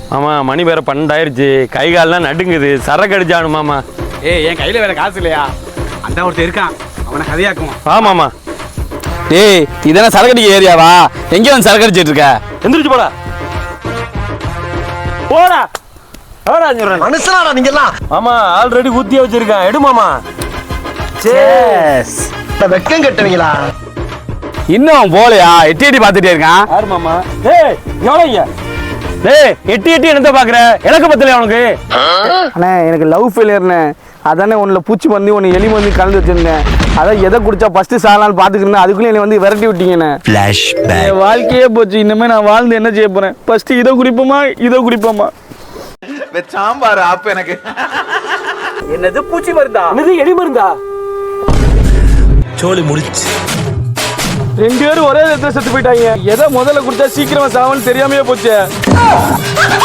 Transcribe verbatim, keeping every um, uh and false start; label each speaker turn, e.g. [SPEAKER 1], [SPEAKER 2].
[SPEAKER 1] மாமா மணி வேற பன்னெண்டாயிருச்சு, கை கால்லாம் நடுங்குது, சரக்கு அடிச்சானு மாமா.
[SPEAKER 2] ஏய் என் கையில வேற காசு இல்லையா? அந்த ஒருத்தர் இருக்கான், அவனை கதையாக்குமா.
[SPEAKER 1] ஆமாமா.
[SPEAKER 3] டேய் இதெல்லாம் சரக்கடிக்க ஏரியாவா? எங்கே வந்து சரக்கு அடிச்சிட்டு இருக்க?
[SPEAKER 1] எந்திரிச்சு போடா போடா.
[SPEAKER 4] மனுஷனாடா நீங்க எல்லாம்.
[SPEAKER 1] மாமா ஆல்ரெடி ஊத்தியா வச்சிருக்கேன், எடு மாமா.
[SPEAKER 3] சேஸ்.
[SPEAKER 4] வெக்கம் கட்டுவீங்களா?
[SPEAKER 3] இன்னும் போலையா? எட்டி எட்டி பார்த்துட்டே இருக்கான்.
[SPEAKER 1] யாரு மாமா? ஏய் எவ்வளோங்க? டேய் எட்டி எட்டி என்னத்த பாக்குற? எனக்கு பத்தலையா உனக்கு?
[SPEAKER 5] அண்ணே எனக்கு லவ் ஃபெயிலியர்ண்ணே, அதானே ஒன்றில் பூச்சி மந்தி ஒன்று எலி மந்தி கலந்து வச்சிருந்தேன். அதான் எதை குடிச்சா ஃபஸ்ட்டு சாலான்னு பார்த்துக்கிறேன், அதுக்குள்ளே என்னை வந்து விரட்டி விட்டீங்கண்ணே. என் வாழ்க்கையே போச்சு, இனிமேல் நான் வாழ்ந்து என்ன செய்ய போகிறேன்? ஃபஸ்ட்டு இதை குடிப்போமா இதை குடிப்போமா?
[SPEAKER 6] சாம்பார் ஆப் எனக்கு.
[SPEAKER 5] என்னது பூச்சி மருந்தா?
[SPEAKER 1] என்னது எலி மருந்தா?
[SPEAKER 6] சோலி முடிச்சு.
[SPEAKER 5] ரெண்டு பேரும் ஒரே இடத்துல செத்து போயிட்டாங்க. எதை முதல்ல குடிச்சா சீக்கிரமா சாவன்னு தெரியாமையே போச்சு.